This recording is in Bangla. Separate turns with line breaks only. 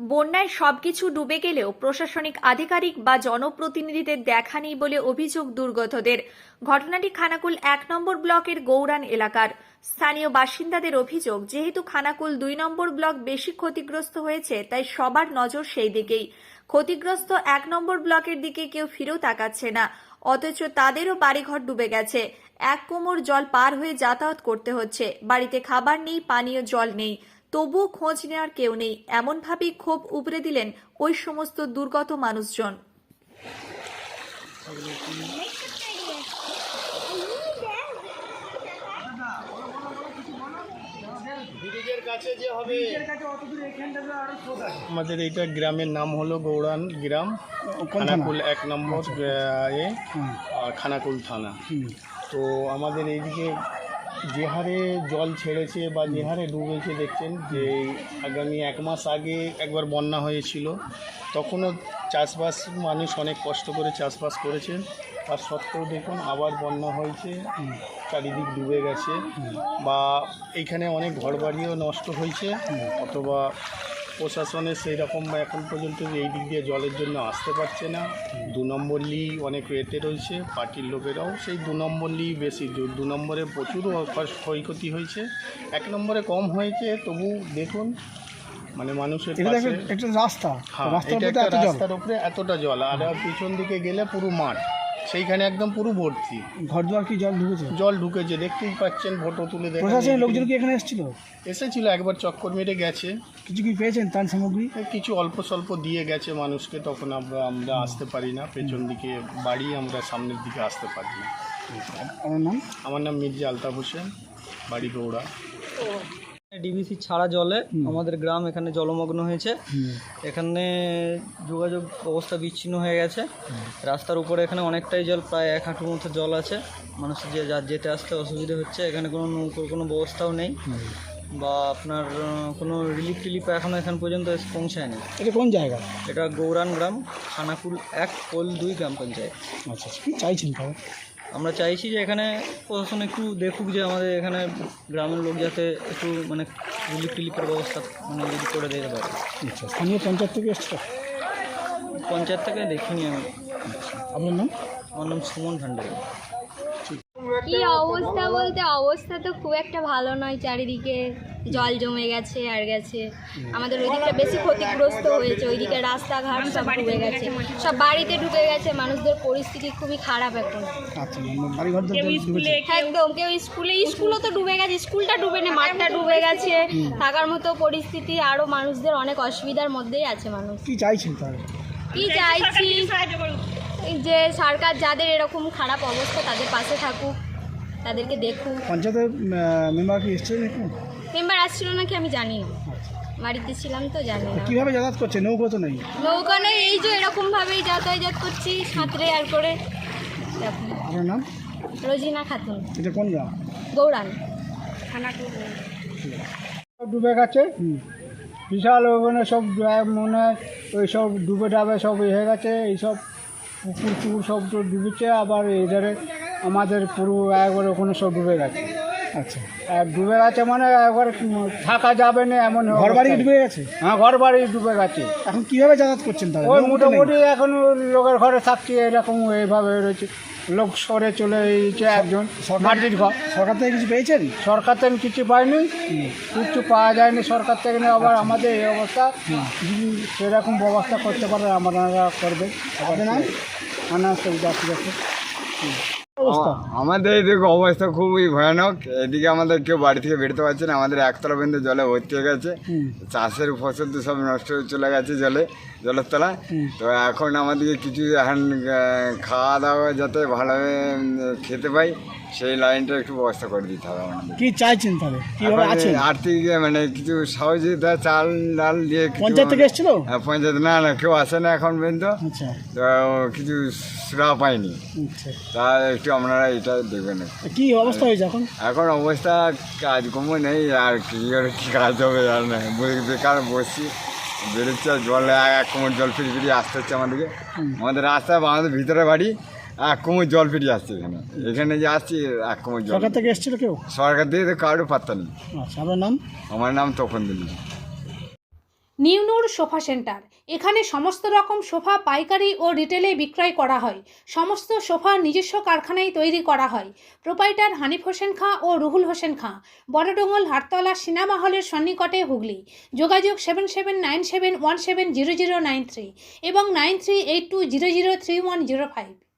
বন্যায় সবকিছু ডুবে গেলেও প্রশাসনিক আধিকারিক বা জনপ্রতিনিধিদের দেখা নেই বলে অভিযোগ দুর্গতদের। ঘটনাটি খানাকুল ১ নম্বর ব্লকের গৌরান এলাকার। স্থানীয় বাসিন্দাদের অভিযোগ, যেহেতু খানাকুল ২ নম্বর ব্লক বেশি ক্ষতিগ্রস্ত হয়েছে, তাই সবার নজর সেই দিকেই। ক্ষতিগ্রস্ত ১ নম্বর ব্লকের দিকে কেউ ফিরেও তাকাচ্ছে না, অথচ তাদেরও বাড়িঘর ডুবে গেছে। এক কোমর জল পার হয়ে যাতায়াত করতে হচ্ছে। বাড়িতে খাবার নেই, পানীয় জল নেই, তবুও খোঁজ নেওয়ার কেউ নেই। এমনভাবেই ক্ষোভ উগরে দিলেন ওই সমস্ত দুর্গত মানুষজন।
আমাদের এইটা গ্রামের নাম হলো গৌরান গ্রাম, খানাকুল ১ নম্বর খানাকুল থানা। তো আমাদের এইদিকে যে হারে জল ছেড়েছে বা যে হারে ডুবেছে, দেখছেন যে আগামী ১ মাস আগে একবার বন্যা হয়েছিল, তখনও চাষবাস মানুষ অনেক কষ্ট করে চাষবাস করেছেন। তার সত্ত্বেও দেখুন আবার বন্যা হয়েছে, চারিদিক ডুবে গেছে, বা এইখানে অনেক ঘরবাড়িও নষ্ট হয়েছে, অথবা প্রশাসনের সেই রকম এখন পর্যন্ত এই দিক দিয়ে জলের জন্য আসতে পারছে না। ২ নম্বর লি অনেক এতে রয়েছে, পার্টির লোকেরাও সেই ২ নম্বর লি বেশি, ২ নম্বরে প্রচুর ক্ষয়ক্ষতি হয়েছে, ১ নম্বরে কম হয়েছে। তবু দেখুন মানে মানুষের পাশে
একটা রাস্তা,
হ্যাঁ, এটা একটা রাস্তার উপরে এতটা জল, আর পিছন দিকে গেলে পুরো মাঠ, সেইখানে একদম পুরো ভর্তি।
ঘর দুয়ার কি জল ঢুকেছে?
দেখতেই পাচ্ছেন, ফটো তুলে দেখেন।
প্রশাসনের লোকজন কি এখানে
এসেছিল, একবার চক্কর মেরে গেছে।
কিছু কি পেয়েছেন ত্রাণ সামগ্রী?
কিছু অল্প স্বল্প দিয়ে গেছে মানুষকে, তখন আমরা আসতে পারি না, পেছন দিকে বাড়ি, আমরা সামনের দিকে আসতে পারি না। আমার নাম মির্জা আলতাফ হোসেন, বাড়ি গৌড়া।
ডিবিসি ছাড়া জলে আমাদের গ্রাম এখানে জলমগ্ন হয়েছে। এখানে যোগাযোগ অবস্থা বিচ্ছিন্ন হয়ে গেছে। রাস্তার উপরে এখানে অনেকটাই জল, প্রায় ১ হাঁটুর মতো জল আছে। মানুষের যেতে আসতে অসুবিধা হচ্ছে। এখানে কোনো নৌকোর কোনো ব্যবস্থাও নেই, বা আপনার কোনো রিলিফ এখনও এখান পর্যন্ত পৌঁছায়নি।
এটা কোন জায়গা?
এটা গৌরান গ্রাম, খানাকুল ১ পোল ২ গ্রাম পঞ্চায়েত।
আচ্ছা, কি চাইছেন তাহলে?
আমরা চাইছি যে এখানে প্রশাসন একটু দেখুক, যে আমাদের এখানে গ্রামের লোক যাতে একটু মানে রিলিফের ব্যবস্থা মানে যদি করে দিতে পারে।
আচ্ছা, স্থানীয় পঞ্চায়েত থেকে এসছে?
পঞ্চায়েত থেকে দেখিনি আমি।
আপনার নাম?
আমার নাম সুমন ভান্ডারী।
কি অবস্থা বলতে, অবস্থা তো খুব একটা ভালো নয়। চারিদিকে জল জমে গেছে আর গেছে। আমাদের ওইদিকটা বেশি ক্ষতিগ্রস্ত হয়েছে। ওইদিকে রাস্তাঘাট সব ডুবে গেছে, সব বাড়িতে ঢুকে গেছে। মানুষদের পরিস্থিতি খুবই খারাপ এখন। একদম, কেউ স্কুলও তো ডুবে গেছে। স্কুলটা ডুবে না, মাঠটা ডুবে গেছে। থাকার মতো পরিস্থিতি, আরও মানুষদের অনেক অসুবিধার মধ্যেই আছে মানুষ।
কি চাইছেন তাহলে?
কি চাইছি যে সরকার যাদের এরকম খারাপ অবস্থা তাদের পাশে থাকুক, তাদেরকে দেখুক।
পঞ্চায়েতের মেম্বার কি এসেছিলেন?
মেম্বার আসছিল নাকি আমি জানি না, বাড়িতে ছিলাম তো জানি না।
কীভাবে যাতায়াত করছে? নৌকো তো নেই।
নৌকা নেই, এই যে এরকমভাবেই যাতায়াত করছি, সাঁতরে আর করে।
আপনার নাম?
রোজিনা খাতুন।
এটা কোন গ্রাম?
গৌরান।
ডুবে গেছে বিশাল, ওখানে সব মনে ওই সব ডুবে ডাবে সব হয়ে গেছে। এইসব পুকুর সব তো ডুবেছে, আবার এধারে আমাদের পুরো একবারে ওখানে সব ডুবে গেছে। আচ্ছা, ডুবে গেছে মানে একবার থাকা যাবে না এমন। ঘর বাড়ি ডুবে গেছে? হ্যাঁ, ঘর বাড়ি ডুবে গেছে। এখন কীভাবে যাতায়াত করছেন তাহলে? ওই মোটামুটি এখন লোকের ঘরে থাকছি, এরকম এইভাবে রয়েছে। লোক সরে চলে এসেছে একজন, মাটির ঘর। সরকার থেকে কিছু পেয়েছেন? সরকার থেকে কিছু পাইনি, কিছু পাওয়া যায়নি সরকার থেকে। আবার আমাদের এই অবস্থা, যদি সেরকম ব্যবস্থা করতে পারে আমরা করবে। আপনার নাম?
আমাদের এদিকে অবস্থা খুবই ভয়ানক। এদিকে আমাদের কেউ বাড়ি থেকে বেরোতে পারছে না। আমাদের একতলা পর্যন্ত জলে ভর্তি হয়ে গেছে। চাষের ফসল তো সব নষ্ট হয়ে চলে গেছে জলের তলায়। তো এখন আমাদেরকে কিছু এখন খাওয়া দাওয়া যাতে ভালোভাবে খেতে পাই, সেই লাইনটা একটু ব্যবস্থা করে দিতে হবে আমাদের।
কি চাইছেন তাহলে?
আর্থিক মানে কিছু সহযোগিতা, চাল ডাল দিয়ে।
পঞ্চায়েত থেকে এসেছিল?
হ্যাঁ, পঞ্চায়েত না কেউ আসে না এখন পর্যন্ত।
আচ্ছা,
তো কিছু সুরা পাইনি। তা একটু আপনারা এটা দেখবেন।
কি অবস্থা হয়েছে এখন?
এখন অবস্থা কাজকর্ম নেই, আর কি কাজ হবে আর না, বেকার বসছি, বেরোচ্ছে জল, ১ কোমর জল ফিরিয়ে আসতে হচ্ছে আমাদেরকে। আমাদের রাস্তা, আমাদের ভিতরে বাড়ি, ১ কোমর জল ফিরিয়ে আসছে। এখানে যে আসছি ১ কোমর জল।
সরকার থেকে এসেছিল কেউ?
সরকার থেকে তো কারোর পাত্তা নেই।
আচ্ছা, আপনার নাম?
আমার নাম তখন দিল্লি।
নিউনুর sofa centre. এখানে সমস্ত রকম সোফা পাইকারি ও রিটেলে বিক্রয় করা হয়। সমস্ত সোফা নিজস্ব কারখানায় তৈরি করা হয়। প্রোপাইটার হানিফ হোসেন খাঁ ও রুহুল হোসেন খাঁ, বড়ডোঙ্গল হাটতলা সিনেমা হলের সন্নিকটে, হুগলি। যোগাযোগ 7797170093 এবং 9382003105।